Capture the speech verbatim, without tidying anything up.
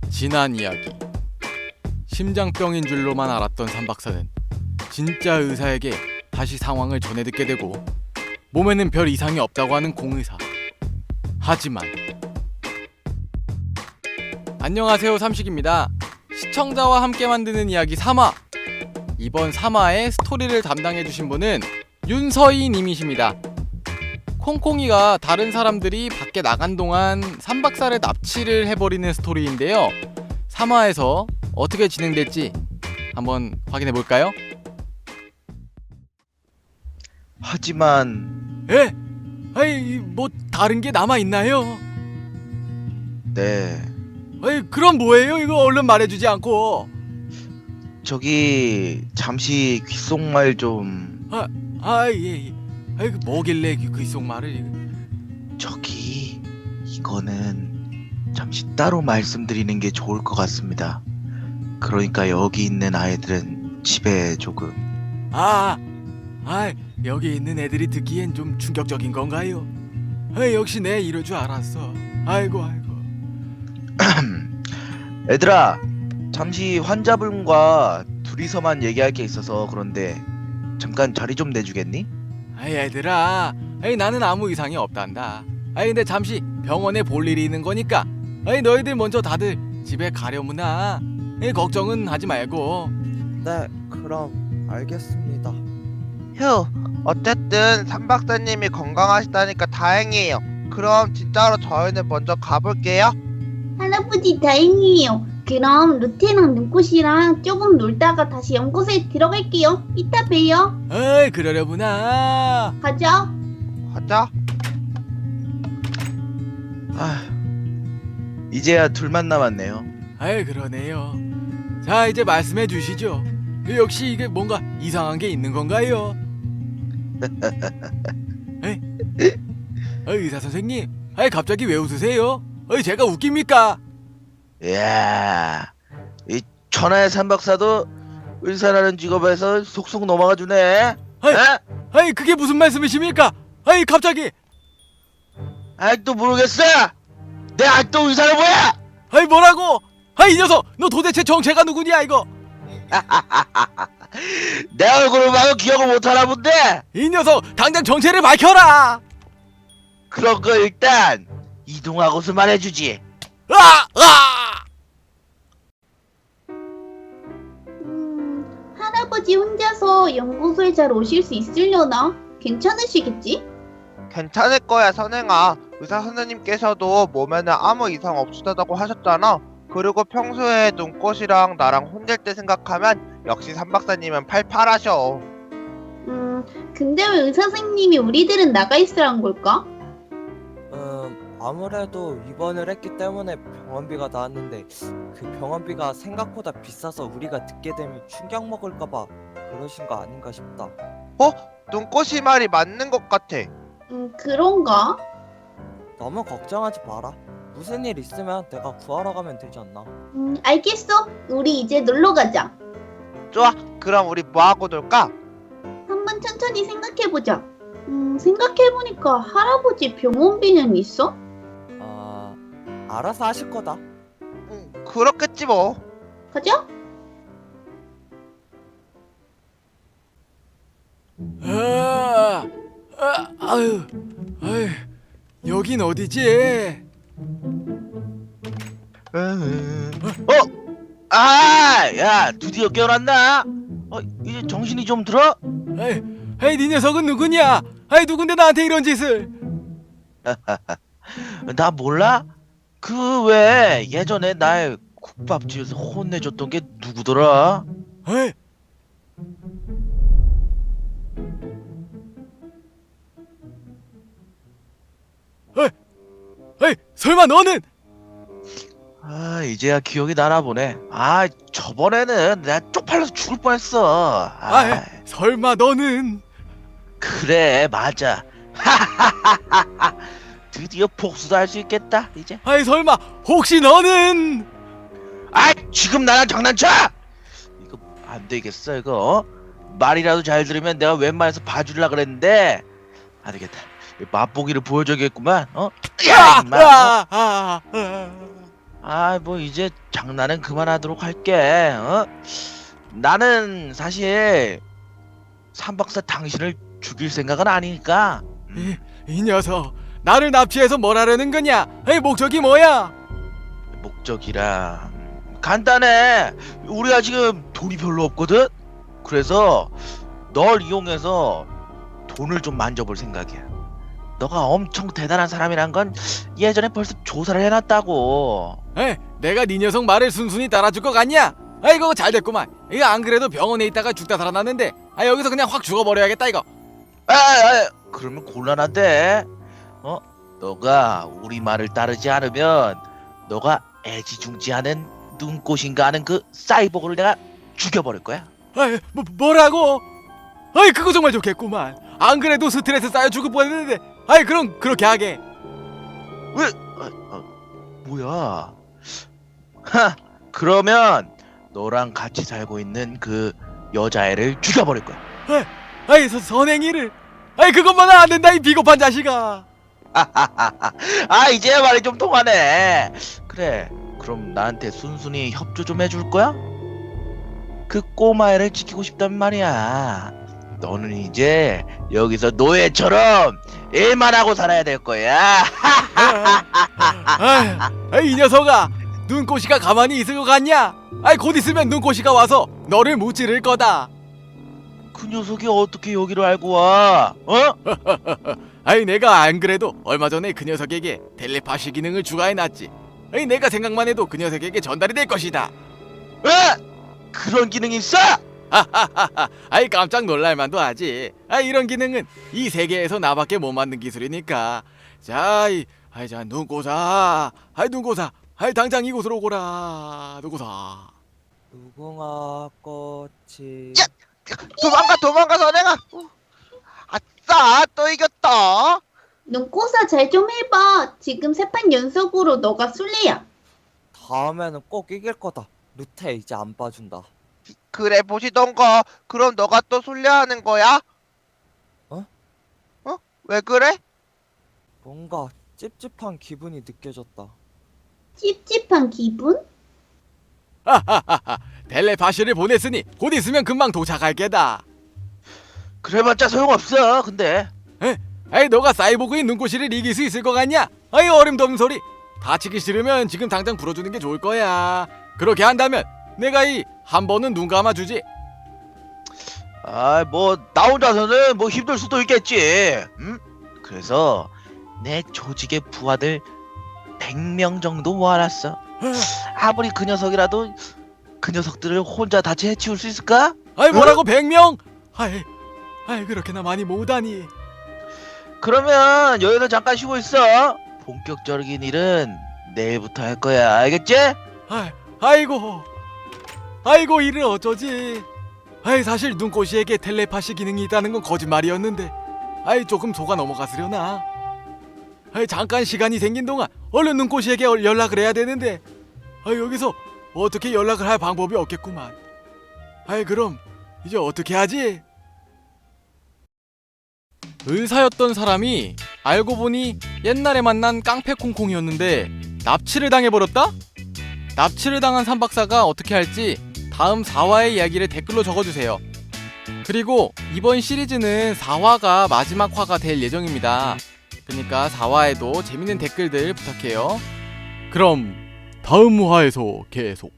지난 이야기. 심장병인 줄로만 알았던 삼박사는 진짜 의사에게 다시 상황을 전해 듣게 되고 몸에는 별 이상이 없다고 하는 공의사. 하지만 안녕하세요, 삼식입니다. 시청자와 함께 만드는 이야기 삼 화. 이번 삼 화의 스토리를 담당해주신 분은 윤서희 님이십니다. 콩콩이가 다른 사람들이 밖에 나간 동안 삼박사를 납치를 해버리는 스토리인데요. 삼 화에서 어떻게 진행될지 한번 확인해볼까요? 하지만 에? 아이, 뭐 다른 게 남아있나요? 네, 아이, 그럼 뭐예요? 이거 얼른 말해주지 않고. 저기 잠시 귓속말 좀. 아, 아, 예, 예. 아이, 그 뭐길래 그 귓속말을. 저기 이거는 잠시 따로 말씀드리는 게 좋을 것 같습니다. 그러니까 여기 있는 아이들은 집에 조금. 아, 아, 여기 있는 애들이 듣기엔 좀 충격적인 건가요? 아, 역시 내 이럴 줄 알았어. 아이고, 아이고. 애들아, 잠시 환자분과 둘이서만 얘기할 게 있어서 그런데 잠깐 자리 좀 내주겠니? 아이, 얘들아, 아이, 나는 아무 이상이 없단다. 아이, 근데 잠시 병원에 볼 일이 있는 거니까 아이, 너희들 먼저 다들 집에 가려무나. 아이, 걱정은 하지 말고. 네, 그럼 알겠습니다. 휴, 어쨌든 삼박사님이 건강하시다니까 다행이에요. 그럼 진짜로 저희는 먼저 가볼게요. 할아버지 다행이에요. 그럼 루테랑 눈꽃이랑 조금 놀다가 다시 연구소에 들어갈게요. 이따 봬요. 아이, 그러려구나. 가자. 가자. 아, 이제야 둘만 남았네요. 아이, 그러네요. 자, 이제 말씀해 주시죠. 역시 이게 뭔가 이상한 게 있는 건가요? 에이? 아, 의사 선생님, 아이, 갑자기 왜 웃으세요? 아이, 제가 웃깁니까? 이야, 이 천하의 삼박사도 의사라는 직업에서 속속 넘어가 주네. 아이, 에? 아이, 그게 무슨 말씀이십니까? 아이, 갑자기. 아직도 모르겠어. 내 아직도 의사는 뭐야? 아이, 뭐라고? 아이, 이 녀석, 너 도대체 정체가 누구냐 이거? 내 얼굴을 봐도 기억을 못하나 본데. 이 녀석, 당장 정체를 밝혀라. 그런 거 일단 이동하고서 말해주지. 아! 아! 음, 할아버지 혼자서 연구소에 잘 오실 수 있으려나? 괜찮으시겠지? 괜찮을 거야, 선행아. 의사 선생님께서도 몸에는 아무 이상 없으다고 하셨잖아. 그리고 평소에 눈꽃이랑 나랑 혼낼 때 생각하면 역시 삼박사님은 팔팔하셔. 음, 근데 왜 의사 선생님이 우리들은 나가 있으란 걸까? 음, 아무래도 입원을 했기 때문에 병원비가 나왔는데 그 병원비가 생각보다 비싸서 우리가 듣게 되면 충격 먹을까봐 그러신 거 아닌가 싶다. 눈꽃이 말이 맞는 것 같아. 음, 그런가? 너무 걱정하지 마라. 무슨 일 있으면 내가 구하러 가면 되지 않나? 음, 알겠어. 우리 이제 놀러 가자. 좋아, 그럼 우리 뭐하고 놀까? 한번 천천히 생각해보자. 음, 생각해보니까 할아버지 병원비는 있어? 아, 알아서 하실 거다. 응, 그렇겠지 뭐. 가자. 아, 아, 아유, 아유, 여긴 어디지? 어? 아, 야, 드디어 깨어났나? 어, 이제 정신이 좀 들어? 아이, 아이, 네 녀석은 누구냐? 아이, 누군데 나한테 이런 짓을? 나 몰라? 그 왜 예전에 날 국밥집에서 혼내줬던 게 누구더라? 아이, 아이, 아이, 설마 너는? 아, 이제야 기억이 나나 보네. 아, 저번에는 내가 쪽팔려서 죽을 뻔했어. 아, 아이, 설마 너는? 그래, 맞아. 드디어 복수도 할 수 있겠다, 이제. 아이, 설마 혹시 너는? 아, 지금 나랑 장난쳐? 이거 안 되겠어, 이거. 어? 말이라도 잘 들으면 내가 웬만해서 봐주려 그랬는데 안 되겠다. 맛보기를 보여줘야겠구만. 어? 야, 아, 임마. 어? 아, 아, 아. 아, 뭐 이제 장난은 그만하도록 할게. 어? 나는 사실 삼박사 당신을 죽일 생각은 아니니까. 음, 이, 이 녀석 나를 납치해서 뭘 하려는 거냐? 에이, 목적이 뭐야? 목적이라 음, 간단해. 우리가 지금 돈이 별로 없거든. 그래서 널 이용해서 돈을 좀 만져볼 생각이야. 너가 엄청 대단한 사람이란 건 예전에 벌써 조사를 해놨다고. 에이, 내가 네 녀석 말을 순순히 따라줄 것 같냐? 아이고 잘 됐구만. 이거 안 그래도 병원에 있다가 죽다 살아났는데 아 여기서 그냥 확 죽어버려야겠다 이거. 아, 아, 그러면 곤란한데. 어? 너가 우리 말을 따르지 않으면 너가 애지중지하는 눈꽃인가 하는 그 사이보그를 내가 죽여버릴 거야. 아이, 뭐, 뭐라고? 아이 그거 정말 좋겠구만. 안 그래도 스트레스 쌓여 죽을 뻔했는데 아이 그럼 그렇게 하게. 왜? 아, 아, 뭐야? 하, 그러면 너랑 같이 살고 있는 그 여자애를 죽여버릴 거야. 아이 서, 선행이를 아이 그것만은 안 된다 이 비겁한 자식아. 아, 이제 말이 좀 통하네. 그래, 그럼 나한테 순순히 협조 좀 해줄 거야? 그 꼬마애를 지키고 싶단 말이야. 너는 이제 여기서 노예처럼 일만 하고 살아야 될 거야. 아이, 아이 이 녀석아 눈꽃이가 가만히 있을 것 같냐? 아이 곧 있으면 눈꽃이가 와서 너를 무찌를 거다. 그 녀석이 어떻게 여기로 알고 와? 어? 아이 내가 안 그래도 얼마 전에 그 녀석에게 텔레파시 기능을 추가해놨지. 아이 내가 생각만 해도 그 녀석에게 전달이 될 것이다. 에? 그런 기능이 있어? 하하하하. 아이 깜짝 놀랄만도 하지. 아이 이런 기능은 이 세계에서 나밖에 못 만든 기술이니까. 자, 이, 아이 자 눈꽃아, 아이 눈꽃아, 아이 당장 이곳으로 오거라. 눈꽃아. 무궁화 꽃이 야! 도망가 도망가 선행아. 어. 아싸 또 이겼다. 눈꽃아 잘 좀 해봐. 지금 세 판 연속으로 너가 술래야. 다음에는 꼭 이길 거다. 루테 이제 안 봐준다. 그래 보시던가. 그럼 너가 또 술래하는 거야? 어? 어? 왜 그래? 뭔가 찝찝한 기분이 느껴졌다. 찝찝한 기분? 하하하하. 텔레파시를 보냈으니 곧 있으면 금방 도착할 게다. 그래봤자 소용없어. 근데 아이 너가 사이보그인 눈꽃이를 이길 수 있을 것 같냐? 아이 어림도 없는 소리. 다치기 싫으면 지금 당장 풀어주는 게 좋을 거야. 그렇게 한다면 내가 이 한 번은 눈 감아주지. 아, 뭐 나 혼자서는 뭐 힘들 수도 있겠지. 음? 그래서 내 조직의 부하들 백 명 정도 모아놨어. 아무리 그 녀석이라도 그 녀석들을 혼자 다 해치울 수 있을까? 아이 뭐라고 백 명? 아이, 아이 그렇게나 많이 모으다니. 그러면 여기서 잠깐 쉬고 있어. 본격적인 일은 내일부터 할 거야. 알겠지? 아이, 아이고, 아이고 이를 어쩌지? 아이 사실 눈꽃이에게 텔레파시 기능이 있다는 건 거짓말이었는데, 아이 조금 속아 넘어갔으려나. 아이 잠깐 시간이 생긴 동안 얼른 눈꽃이에게 연락을 해야 되는데, 아이 여기서 어떻게 연락을 할 방법이 없겠구만. 아이 그럼 이제 어떻게 하지? 의사였던 사람이 알고 보니 옛날에 만난 깡패 콩콩이었는데 납치를 당해버렸다? 납치를 당한 삼박사가 어떻게 할지 다음 사 화의 이야기를 댓글로 적어주세요. 그리고 이번 시리즈는 사 화가 마지막 화가 될 예정입니다. 그러니까 사 화에도 재밌는 댓글들 부탁해요. 그럼 다음 화에서 계속